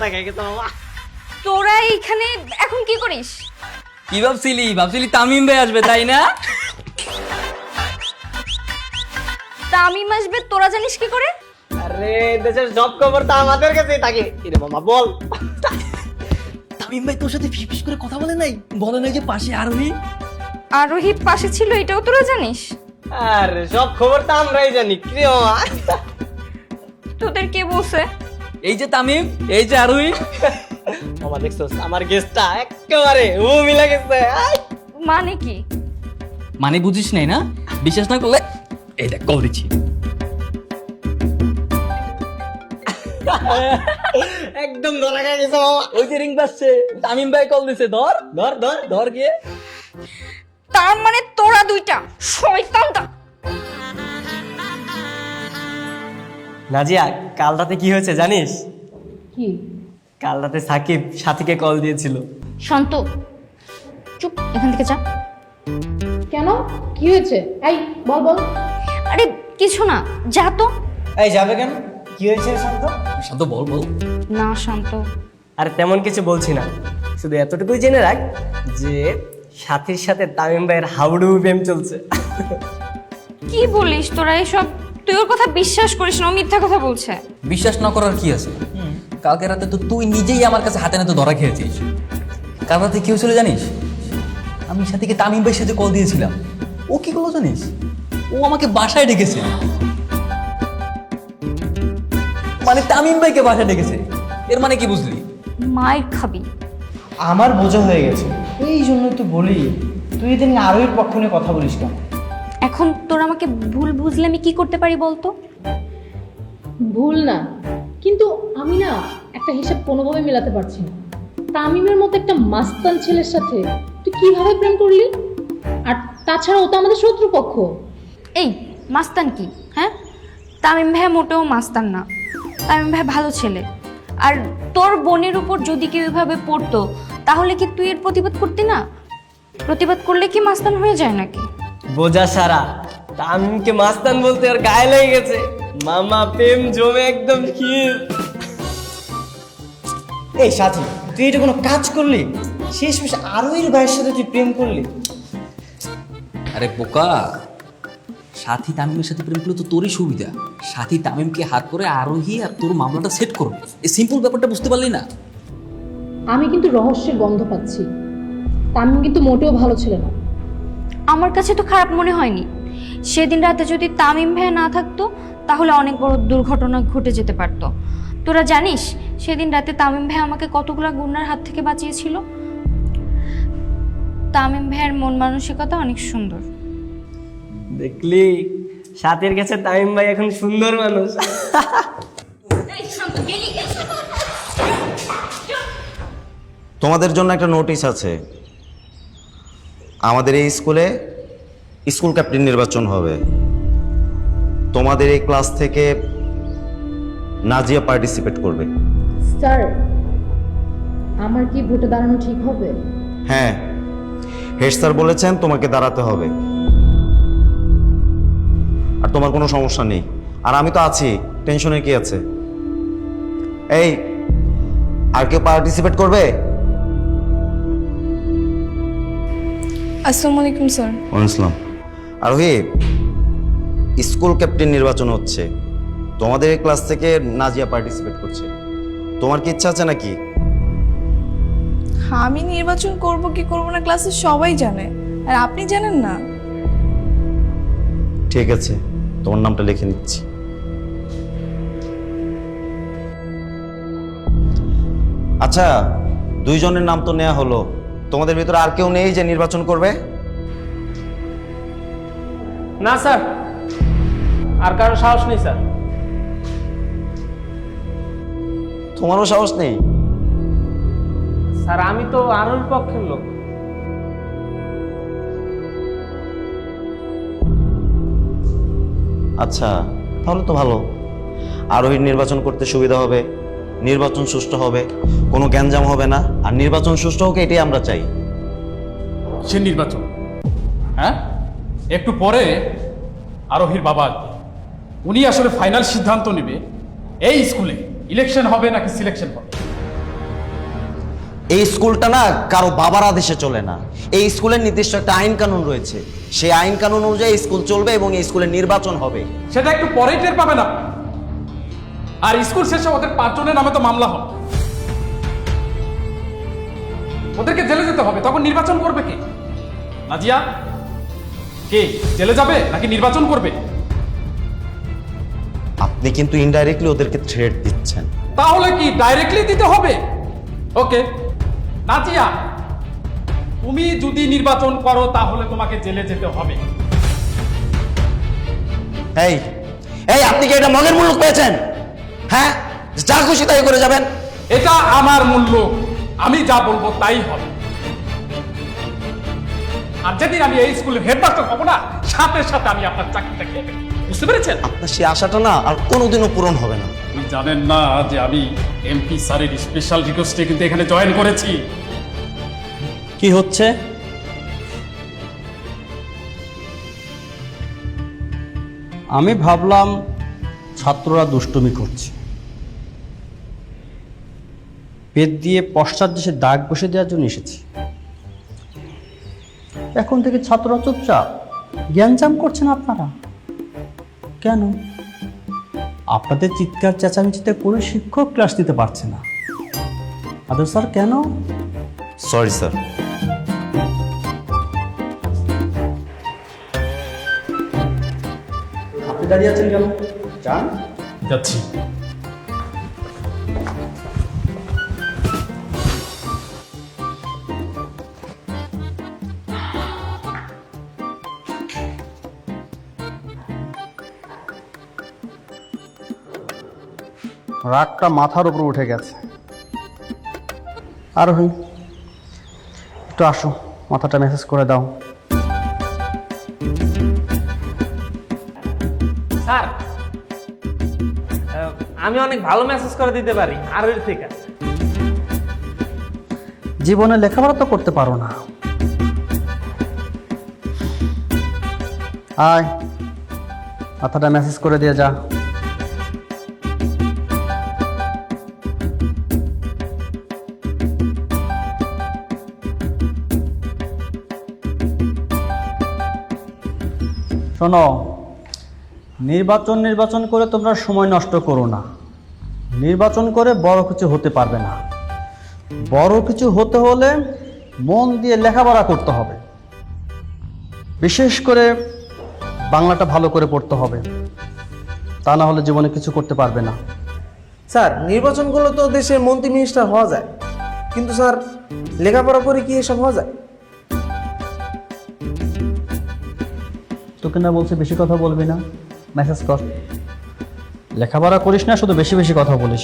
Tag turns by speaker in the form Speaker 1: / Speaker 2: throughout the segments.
Speaker 1: ধরা খেয়ে গেছে মামা।
Speaker 2: তোরা এইখানে এখন কি করিস?
Speaker 3: কি ভাবছিলি তামিম ভাই আসবে তাই না?
Speaker 2: তামিম আসবে তোরা জানিস কি করে?
Speaker 1: আরে দেশের সব খবর তো আমাদের কাছেই থাকে। কিরে মামা বল।
Speaker 3: তামিম ভাই তোর সাথে ফিস করে কথা বলে নাই? বলে নাই যে পাশে আরোহী?
Speaker 2: আরোহী পাশে ছিল এটাও তোরা জানিস?
Speaker 1: আরে সব খবর তো আমরাই জানি। কিরে মামা?
Speaker 2: তোদের কে বলছে?
Speaker 3: এই যে তামিম, এই যে আরোহী।
Speaker 1: মামা দেখছস আমার গেস্টটা একেবারে ও মিলা গেছে।
Speaker 2: মানে কি?
Speaker 3: মানে বুঝিস নাই না? বিশ্বাস না করলে এই দেখ কল দিচ্ছি।
Speaker 1: একদম ধরা খেয়ে গেছে মামা।
Speaker 3: ওই যে রিং বাজছে, তামিম ভাই কল দিছে। ধর ধর ধর ধর গিয়ে।
Speaker 2: তার মানে তোরা দুইটা শয়তানটা।
Speaker 1: নাজিয়া কাল রাতে কি হয়েছে জানিস?
Speaker 2: কি?
Speaker 1: কাল রাতে সাকিব সাথীকে কল দিয়েছিল।
Speaker 2: শান্ত, চুপ, এখান থেকে যা।
Speaker 4: কেন, কি হয়েছে? এই বল বল।
Speaker 2: আরে কিছু না, যা তো।
Speaker 1: এই যাবে কেন? কি হয়েছে শান্ত?
Speaker 3: শান্ত বল বল।
Speaker 2: না শান্ত,
Speaker 1: আরে তেমন কিছু বলছি না, শুধু এতটুকুই জেনে রাখ যে সাথীর সাথে তামিম ভাইয়ের হাউডুবু প্রেম চলছে।
Speaker 2: কি বলিস তোরা এসব? তুই ওর কথা বিশ্বাস করিস না, ও মিথ্যা কথা বলছে।
Speaker 3: বিশ্বাস না করার কি আছে? কালকে রাতে তো তুই নিজেই আমার কাছে হাতে নাতে ধরা খেয়েছিস। কাল রাতে কি হয়েছিল জানিস? আমি সাথীকে তামিম ভাইয়ের সাথে কল দিয়েছিলাম। ও কি করলো জানিস? ও আমাকে বাসায় ডেকেছে। মানে তামিম ভাইকে বাসায় ডেকেছে। এর মানে কি বুঝলি?
Speaker 2: মায়ের খাবি।
Speaker 5: আমার বোঝা হয়ে গেছে, এই জন্যই তো বলি তুই এদের নিয়ে আরোহীর পক্ষ নিয়ে কথা বলিস কেন?
Speaker 2: এখন তোরা আমাকে ভুল বুঝলে আমি কি করতে পারি বলতো?
Speaker 4: ভুল না, কিন্তু আমি না একটা হিসাব কোনোভাবে মেলাতে পারছি না। তামিমের মতো একটা মাস্তান ছেলের সাথে তুই কিভাবে প্রেম করলি? আর তাছাড়া ও তো আমাদের শত্রুপক্ষ।
Speaker 2: এই মাস্তান কি? হ্যাঁ, তামিম ভাই মোটেও মাস্তান না। তামিম ভাই ভালো ছেলে। আর তোর বোনের উপর যদি কেউ এভাবে পড়তো তাহলে কি তুই এর প্রতিবাদ করতি না? প্রতিবাদ করলে কি মাস্তান হয়ে যায় নাকি?
Speaker 1: বোঝা সারা তামিমকে মাস্তান বলতে আর গায়ে লেগে গেছে। মামা প্রেম জমে একদম ক্ষীর।
Speaker 5: এই সাথী, তুই এটা কোনো কাজ করলি? শেষ আরোহীর ভাইয়ের সাথে তুই প্রেম করলি?
Speaker 3: আরে বোকা, সাথী তামিমের সাথে প্রেম করলে তো তোরই সুবিধা। সাথী তামিমকে হাত করে আরোহী আর তোর মামলাটা সেট করবে। এই সিম্পল ব্যাপারটা বুঝতে পারলি না?
Speaker 4: আমি কিন্তু রহস্যের গন্ধ পাচ্ছি। তামিম কিন্তু মোটেও ভালো ছিল না।
Speaker 2: আমার কাছে তো খারাপ মনে হয়নি। সেদিন রাতে যদি তামিম ভাই না থাকতো তাহলে অনেক বড় দুর্ঘটনা ঘটে যেতে পারতো। তোরা জানিস সেদিন রাতে তামিম ভাই আমাকে কতগুলো গুন্ডার হাত থেকে বাঁচিয়েছিল? তামিম ভাইয়ের মন মানসিকতা অনেক সুন্দর।
Speaker 1: দেখলি সাথীর কাছে তামিম ভাই এখন সুন্দর মানুষ।
Speaker 6: তোমাদের জন্য একটা নোটিশ আছে। আমাদের এই স্কুলে স্কুল ক্যাপ্টেন নির্বাচন হবে। তোমাদের এই ক্লাস থেকে নাজিয়া পার্টিসিপেট করবে।
Speaker 4: স্যার, আমার কি ভোটে দাঁড়ানো ঠিক হবে?
Speaker 6: হ্যাঁ, হেড স্যার বলেছেন তোমাকে দাঁড়াতে হবে। আর তোমার কোনো সমস্যা নেই, আর আমি তো আছি, টেনশনের কি আছে? এই, আর কেউ পার্টিসিপেট করবে?
Speaker 7: আসসালামু আলাইকুম স্যার।
Speaker 6: ওয়ালাইকুম আসসালাম। আরোহী, স্কুল ক্যাপ্টেন নির্বাচন হচ্ছে। তোমাদের এই ক্লাস থেকে নাজিয়া পার্টিসিপেট করছে। তোমার কি ইচ্ছা আছে নাকি?
Speaker 7: আমি নির্বাচন করব কি করব না ক্লাসে সবাই জানে, আর আপনি জানেন না?
Speaker 6: ঠিক আছে, তোমার নামটা লিখে নিচ্ছি। আচ্ছা, দুইজনের নাম তো নেওয়া হলো। তোমাদের ভিতরে আর কেউ নেই যে নির্বাচন করবে?
Speaker 1: না স্যার, আর কারো সাহস নেই স্যার।
Speaker 6: তোমারও সাহস নেই?
Speaker 1: স্যার আমি তো আরোহীর পক্ষের লোক।
Speaker 6: আচ্ছা, তাহলে তো ভালো। আরোহীর নির্বাচন করতে সুবিধা হবে, নির্বাচন সুষ্ঠু হবে, কোনো গ্যাঞ্জাম হবে না। আর নির্বাচন সুষ্ঠু হোক, এটাই আমরা চাই।
Speaker 8: সে নির্বাচন, হ্যাঁ, একটু পরে আরোহীর বাবা আসবে। উনি আসলে ফাইনাল সিদ্ধান্ত নেবে এই স্কুলে ইলেকশন হবে নাকি সিলেকশন হবে।
Speaker 6: এই স্কুলটা না কারো বাবার আদেশে চলে না। এই স্কুলের নির্দিষ্ট একটা আইন কানুন রয়েছে, সেই আইন কানুন অনুযায়ী স্কুল চলবে এবং এই স্কুলের নির্বাচন হবে।
Speaker 8: সেটা একটু পরেই টের পাবে না। আর স্কুল শেষে ওদের 5 জনের নামে তো মামলা হবে, ওদেরকে জেলে যেতে হবে। তখন নির্বাচন করবে কে? নাজিয়া কে জেলে যাবে নাকি নির্বাচন করবে?
Speaker 6: আপনি কিন্তু ইনডাইরেক্টলি ওদেরকে থ্রেট দিচ্ছেন।
Speaker 8: তাহলে কি ডাইরেক্টলি দিতে হবে? ওকে নাজিয়া, তুমি যদি নির্বাচন করো তাহলে তোমাকে জেলে যেতে হবে।
Speaker 6: এই এই আপনি কি এটা মগের মুলুক পেয়েছেন? হ্যাঁ, যা খুশি তাই করে যাবেন?
Speaker 8: এটা আমার মূল্য, আমি যা বলবো তাই হবে। আর যেদিন আমি এই স্কুলের হেডমাস্টার হবো না, সাথে সাথে আমি আপনার চাকরিটা খেয়ে ফেলবো। বুঝতে পেরেছেন?
Speaker 6: আপনার সেই আশাটা না আর কোনোদিনও পূরণ হবে না।
Speaker 8: আপনি জানেন না যে আমি এমপি স্যারের স্পেশাল রিকোয়েস্টে কিন্তু এখানে জয়েন করেছি।
Speaker 5: কি হচ্ছে? আমি ভাবলাম ছাত্ররা দুষ্টুমি করছে, পেট দিয়ে পশ্চাৎ দেশে দাগ বসে দেওয়ার জন্য এসেছি। এখন থেকে ছাত্ররা চুপচাপ জ্ঞানজাম করছেন। আপনারা কেন? আপনাদের চিৎকার চেঁচামেচিতে কোনো শিক্ষক ক্লাস দিতে পারছে না। আদর স্যার কেন?
Speaker 6: Sorry sir.
Speaker 5: আপনি দাঁড়িয়ে আছেন কেন? যান।
Speaker 8: যাচ্ছি।
Speaker 5: রাগটা মাথার উপর উঠে গেছে। আর হই একটু আসো, মাথাটা মেসেজ করে দাও।
Speaker 9: স্যার, আমি অনেক ভালো মেসেজ করে দিতে পারি আরোর থেকে।
Speaker 5: জীবনে লেখাপড়া তো করতে পারো না। আয়, মাথাটা মেসেজ করে দিয়ে যা। শোনো, নির্বাচন করে তোমরা সময় নষ্ট করো না। নির্বাচন করে বড় কিছু হতে পারবে না। বড় কিছু হতে হলে মন দিয়ে লেখাপড়া করতে হবে। বিশেষ করে বাংলাটা ভালো করে পড়তে হবে, তা না হলে জীবনে কিছু করতে পারবে না।
Speaker 9: স্যার, নির্বাচন করলে তো দেশের মন্ত্রী মিনিস্টার হওয়া যায়, কিন্তু স্যার লেখাপড়া করে কি এসব হওয়া যায়?
Speaker 5: তোকে না বলছে বেশি কথা বলবি না, মেসেজ কর। লেখাপড়া করিস না, শুধু বেশি বেশি কথা বলিস।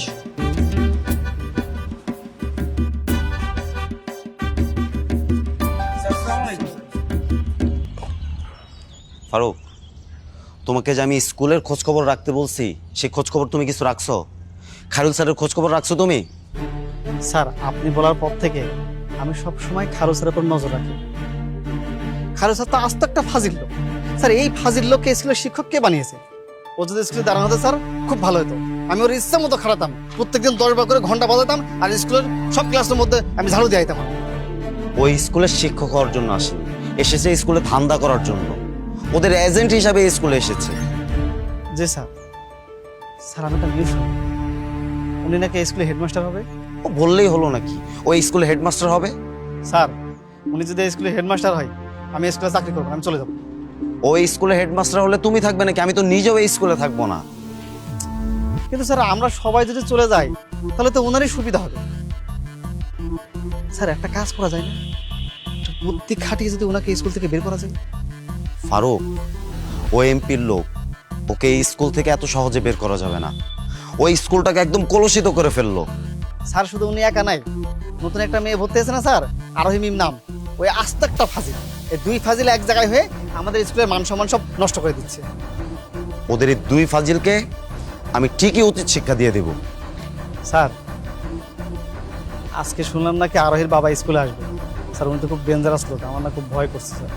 Speaker 6: ফারুক, তোমাকে যে আমি স্কুলের খোঁজখবর রাখতে বলছি, সেই খোঁজখবর তুমি কিছু রাখছো? খায়রুল স্যারের খোঁজখবর রাখছো তুমি?
Speaker 5: স্যার, আপনি বলার পর থেকে আমি সব সময় খায়রুল স্যারের উপর নজর রাখি। খায়রুল স্যার তো আস্ত একটা ফাজিল লোক। স্যার, এই ফাজিল লোককে স্কুলের শিক্ষক কে বানিয়েছে? ও যদি স্কুলে দাঁড়ানো হতো স্যার, খুব ভালো হতো। আমি ওর ইচ্ছা মতো খাটাতাম, প্রত্যেকদিন 10 বার করে ঘন্টা বাজাতাম, আর স্কুলের সব ক্লাসের মধ্যে আমি ঝাড়ু দিয়ে আইতাম।
Speaker 6: ওই স্কুলের শিক্ষক হওয়ার জন্য আসেনি, এসেছে স্কুলে ধান্দা করার জন্য। ওদের এজেন্ট হিসাবে এই স্কুলে এসেছে।
Speaker 5: জি স্যার। স্যার, আমি একটা নিউজ শুনি, উনি নাকি স্কুলে হেডমাস্টার হবে।
Speaker 6: ও বললেই হলো নাকি ওই স্কুলে হেডমাস্টার হবে?
Speaker 5: স্যার, উনি যদি স্কুলে হেডমাস্টার হয়, আমি স্কুলে চাকরি করবো, আমি চলে যাবো।
Speaker 6: ওই স্কুলে হেডমাস্টার হলে তুমি থাকবে নাকি? আমি তো নিজেও এই স্কুলে থাকবো না।
Speaker 5: কিন্তু স্যার, আমরা সবাই যদি চলে যাই তাহলে তো ওনারই সুবিধা হবে। স্যার, একটা কাজ করা যায় না? একটু বুদ্ধি খাটিয়ে যদি ওনাকে স্কুল থেকে বের করা যায়।
Speaker 6: ফারুক, ও এমপির লোক, ওকে এই স্কুল থেকে এত সহজে বের করা যাবে না। ওই স্কুলটাকে একদম কলুষিত করে ফেললো।
Speaker 5: স্যার, শুধু উনি একা নাই, নতুন একটা মেয়ে ভর্তি হয়েছে না স্যার, আরোহী মিম নাম, ওই আস্ত একটা ফাজিল। এই দুই ফাজিল এক জায়গায় হয়ে আমাদের স্কুলের মান সম্মান সব নষ্ট করে দিচ্ছে।
Speaker 6: ওদের এই দুই ফাজিলকে আমি ঠিকই উচিত শিক্ষা দিয়ে দেব।
Speaker 5: স্যার, আজকে শুনলাম নাকি আরোহীর বাবা স্কুলে আসবে। স্যার, উনি তো খুব ডেঞ্জারাস লোক, আমার না খুব ভয় করছে স্যার।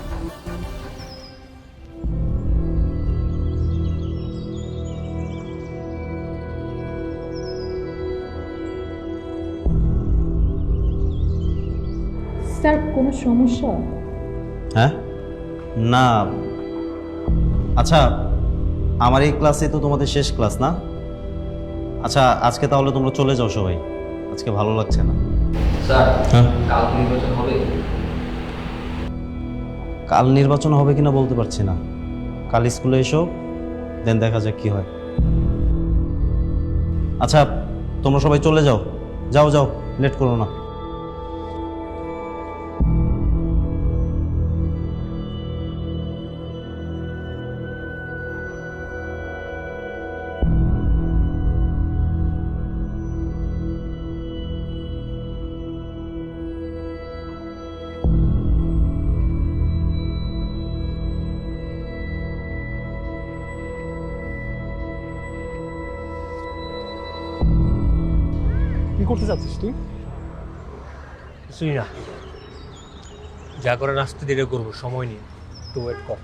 Speaker 4: স্যার কোনো সমস্যা?
Speaker 6: হ্যাঁ, না, আচ্ছা, আমার এই ক্লাসে তো তোমাদের শেষ ক্লাস না? আচ্ছা, আজকে তাহলে তোমরা চলে যাও সবাই, আজকে ভালো লাগছে না।
Speaker 3: স্যার
Speaker 6: হ্যাঁ,
Speaker 3: কাল নির্বাচন হবে?
Speaker 6: কাল নির্বাচন হবে কিনা বলতে পারছি না। কাল স্কুলে এসো, দেন দেখা যাক কি হয়। আচ্ছা, তোমরা সবাই চলে যাও, যাও যাও, লেট করো না।
Speaker 10: কি করতে চাচ্ছিস তুই? কিছুই না, যা করে আসতে দেরি করবো, সময় নিয়ে একটু ওয়েট কর।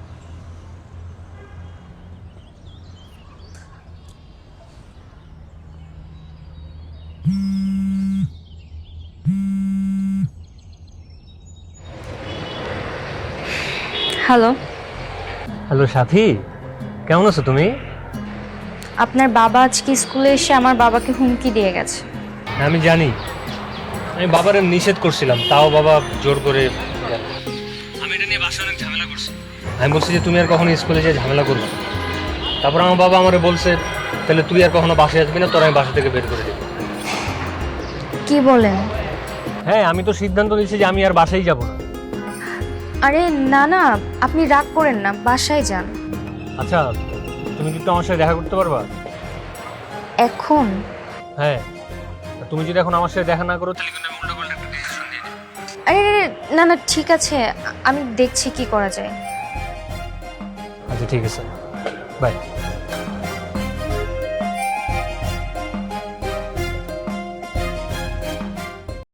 Speaker 2: হ্যালো,
Speaker 10: হ্যালো সাথী, কেমন আছো তুমি?
Speaker 2: আপনার বাবা আজকে স্কুলে এসে আমার বাবাকে হুমকি দিয়ে গেছে।
Speaker 10: হ্যাঁ, আমি জানি। আমি বাবার নিষেধ করছিলাম, তাও বাবা জোর করে গেল। আমি এটা নিয়ে বাসায় অনেক ঝামেলা করছি। আমি বলছি যে তুমি আর কখনো স্কুলে যেয়ে ঝামেলা করবে না। তারপর আমার বাবা আমারে বলছে, তাহলে তুই আর কখনো বাসায় আসবি না, তোর আমি বাসা থেকে বের করে দেবো।
Speaker 2: কি বলেন?
Speaker 10: হ্যাঁ, আমি তো সিদ্ধান্ত নিয়েছি যে আমি আর বাসায় যাব না।
Speaker 2: আরে না না, আপনি রাগ করেন না, বাসায় যান।
Speaker 10: আচ্ছা, তুমি কিন্তু আমার সাথে দেখা করতে পারবা?
Speaker 2: এখন?
Speaker 10: হ্যাঁ, তুমি যদি এখন আমার সাথে দেখা না করো তাহলে কিন্তু আমি উল্টো একটা ডিসিশন নিয়ে নেব।
Speaker 2: আরে না না, ঠিক আছে, আমি দেখছি কি করা যায়।
Speaker 10: আচ্ছা ঠিক আছে, বাই।